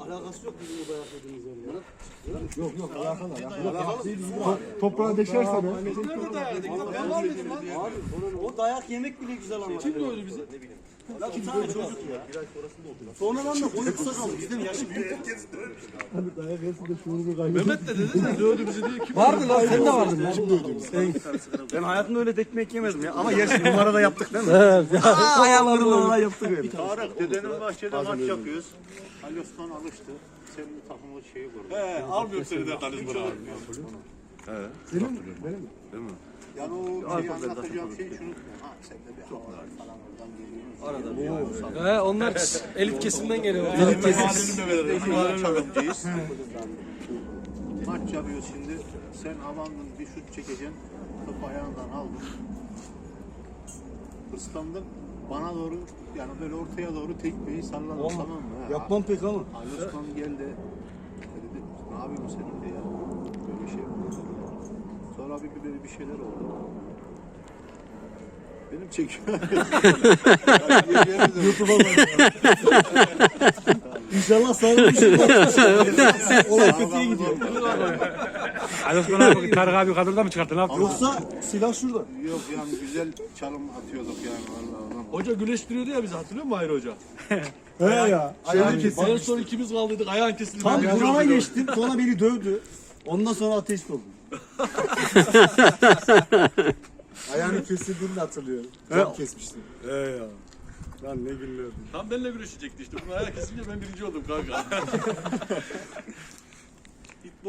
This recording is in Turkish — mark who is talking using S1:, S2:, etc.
S1: Alakası yok bizim o dayak yediğimiz yerle.
S2: Yok alakalı. Toprağa deşerse de.
S3: Biz nerede dayak yedik? Ben var mıydım lan?
S1: Abi o dayak yemek bile güzel anlatıyor.
S3: Kim dövdü bizi?
S1: Ya bir tane çocuk ya. Sonradan da boyu kısa kaldı. Bizden yaşı büyük.
S2: Hani dayak yersin de şuurunu kaybeder.
S3: Mehmet de dedi de dövdü bizi diye. Kim
S1: Vardı lan sen de vardın lan. Ben hayatımda öyle tekme yemedim ya. Ama yaş numarada yaptık değil mi? Ayağlarımla ona yaptık öyle.
S4: Tarık dedenin bahçede maç yapıyoruz. Ali Osman alıştı. Senin takımı şeyi kurdu.
S3: almıyorum seni de karizma.
S2: Senin mi? Benim mi?
S4: Yani o şeyi anlatacağım şey şunu. Ha sen de bir havalar falan oradan geliyorsun.
S5: Onlar elit kesimden geliyor.
S3: Elit kesim.
S4: Çalımcıyız. Maç yapıyoruz şimdi. Sen havandın bir şut çekeceksin. Topu ayağından aldın. Islandın. Bana doğru yani böyle ortaya doğru tekmeyi salladın tamam mı?
S1: Yapmam pek ama.
S4: Ali Osman geldi. Dedi ne yapıyorsun sen öyle ya? Böyle şey oldu. Sonra böyle bir şeyler oldu. Benim çekiyor.
S2: YouTube'a bak. İnşallah sağlıklı bir şey var. Olay kötüye gidiyor.
S5: Ali Osman abi Tarık abi kadrodan mı çıkarttı? Ne yaptı?
S2: Yoksa silah şurada.
S4: Yok yani güzel çalım atıyorduk yani vallahi.
S3: Hoca güleştiriyordu ya bizi hatırlıyor musun Hayri Hoca?
S2: He ya. Ayağını kesin.
S3: En son ikimiz kaldıydık ayağın kesildi.
S1: Tam
S3: Ben
S1: burama
S3: gördüm.
S1: geçtim. Sonra beni dövdü. Ondan sonra ateist oldum.
S2: Ayağını kesildiğini de hatırlıyorum. Can kesmiştim.
S1: He ya. Lan ne günlerdi.
S3: Tam benimle güreşecekti işte. Bunun ayağı kesince ben birinci oldum kanka.